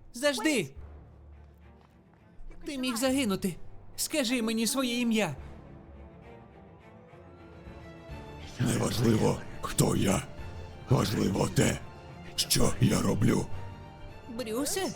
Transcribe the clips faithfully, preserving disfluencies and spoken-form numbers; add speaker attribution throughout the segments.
Speaker 1: Завжди! Ти міг загинути. Скажи мені своє ім'я.
Speaker 2: Неважливо, хто я. Важливо те, що я роблю.
Speaker 1: Брюсе?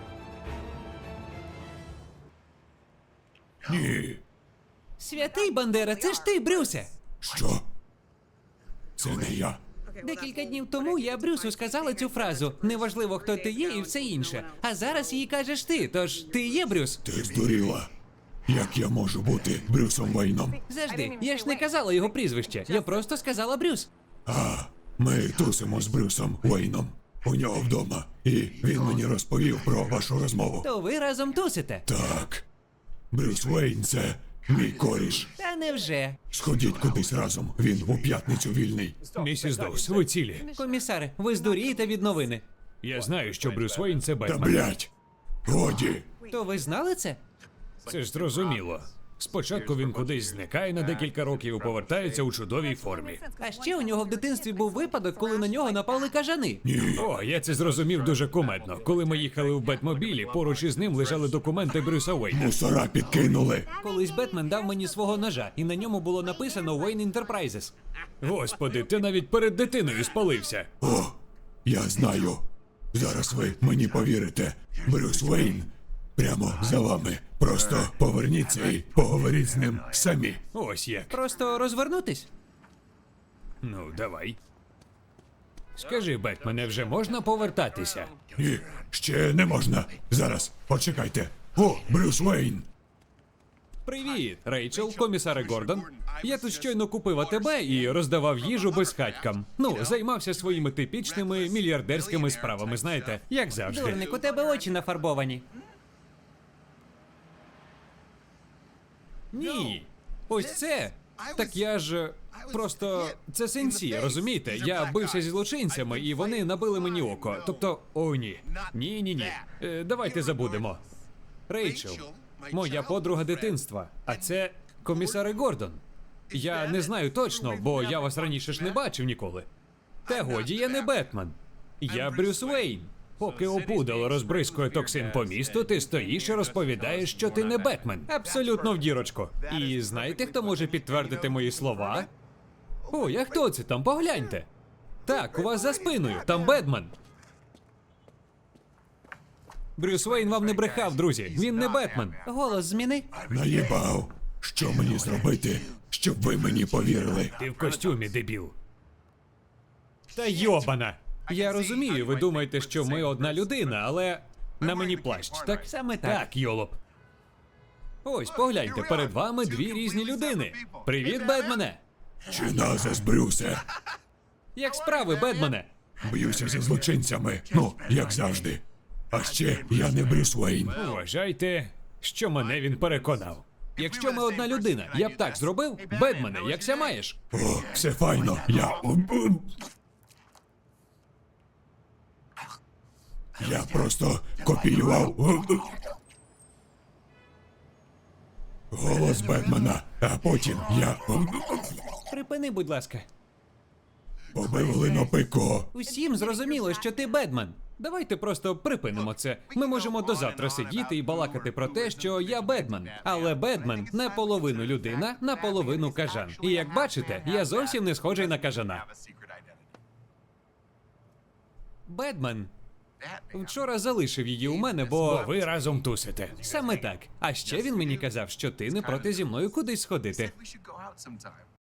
Speaker 2: Ні.
Speaker 1: Святий Бандера, це ж ти, Брюсе!
Speaker 2: Що? Це не я.
Speaker 1: Декілька днів тому я Брюсу сказала цю фразу. Неважливо, хто ти є і все інше. А зараз її кажеш ти, тож ти є Брюс?
Speaker 2: Ти здуріла. Як я можу бути Брюсом Вейном?
Speaker 1: Завжди. Я ж не казала його прізвище. Я просто сказала Брюс.
Speaker 2: А, ми тусимо з Брюсом Вейном. У нього вдома. І він мені розповів про вашу розмову.
Speaker 1: То ви разом тусите.
Speaker 2: Так. Брюс Вейн – це мій коріш.
Speaker 1: Та невже?
Speaker 2: Сходіть кудись разом. Він у п'ятницю вільний.
Speaker 3: Місіс Доус, ви цілі.
Speaker 1: Комісаре, ви здурієте від новини.
Speaker 3: Я знаю, що Брюс Вейн – це
Speaker 2: Та
Speaker 3: Бетмен.
Speaker 2: блять! Годі!
Speaker 1: То ви знали це?
Speaker 3: Це ж зрозуміло. Спочатку він кудись зникає на декілька років і повертається у чудовій формі.
Speaker 1: А ще у нього в дитинстві був випадок, коли на нього напали кажани.
Speaker 2: Ні.
Speaker 3: О, я це зрозумів дуже кумедно. Коли ми їхали в Бетмобілі, поруч із ним лежали документи Брюса Вейна.
Speaker 2: Мусора підкинули.
Speaker 1: Колись Бетмен дав мені свого ножа, і на ньому було написано Wayne Enterprises.
Speaker 3: Господи, ти навіть перед дитиною спалився.
Speaker 2: О, я знаю. Зараз ви мені повірите. Брюс Вейн прямо за вами. Просто поверніться і поговоріть з ним самі.
Speaker 3: Ось як.
Speaker 1: Просто розвернутись?
Speaker 3: Ну, давай. Скажи, Бетмене, вже можна повертатися?
Speaker 2: Ні, ще не можна. Зараз, почекайте. О, Брюс Вейн!
Speaker 1: Привіт, Рейчел, комісаре Гордон. Я тут щойно купив АТБ і роздавав їжу безхатькам. Ну, займався своїми типічними мільярдерськими справами, знаєте, як завжди. Дурник, у тебе очі нафарбовані. Ні. Ось це. Так я ж просто це синці, розумієте? Я бився зі злочинцями, і вони набили мені око. Тобто, о, ні. Ні, ні, ні. Е, давайте забудемо. Рейчел, моя подруга дитинства, а це комісар Гордон. Я не знаю точно, бо я вас раніше ж не бачив ніколи. Та годі, я не Бетмен. Я Брюс Вейн. Поки опудало розбризкує токсин по місту, ти стоїш і розповідаєш, що ти не Бетмен. Абсолютно в дірочку. І знаєте, хто може підтвердити мої слова? Ой, а хто це там? Погляньте. Так, у вас за спиною, там Бетмен. Брюс Вейн вам не брехав, друзі. Він не Бетмен. Голос зміни.
Speaker 2: Наїбав. Що мені зробити, щоб ви мені повірили?
Speaker 3: Ти в костюмі, дебіл.
Speaker 1: Та йобана! Я розумію, ви думаєте, що ми одна людина, але на мені плащ, так? Саме так.
Speaker 3: Так, йолоп.
Speaker 1: Ось, погляньте, перед вами дві різні людини. Привіт, Бетмене!
Speaker 2: Чи назас, Брюсе?
Speaker 1: Як справи, Бетмене?
Speaker 2: Б'юся зі злочинцями. Ну, як завжди. А ще я не Брюс Вейн.
Speaker 3: Вважайте, що мене він переконав.
Speaker 1: Якщо ми одна людина, я б так зробив? Бетмене, якся маєш?
Speaker 2: О, все файно. Я. Я просто копіював голос Бетмена, а потім я
Speaker 1: Припини, будь ласка.
Speaker 2: побив линопико.
Speaker 1: Усім зрозуміло, що ти Бетмен. Давайте просто припинимо це. Ми можемо до завтра сидіти і балакати про те, що я Бетмен. Але Бетмен наполовину людина, наполовину кажан. І як бачите, я зовсім не схожий на кажана. Бетмен вчора залишив її у мене,
Speaker 3: Бо
Speaker 1: бо...
Speaker 3: ви разом тусите.
Speaker 1: Саме так. А ще він мені казав, що ти не проти зі мною кудись сходити.
Speaker 4: We should go out sometime.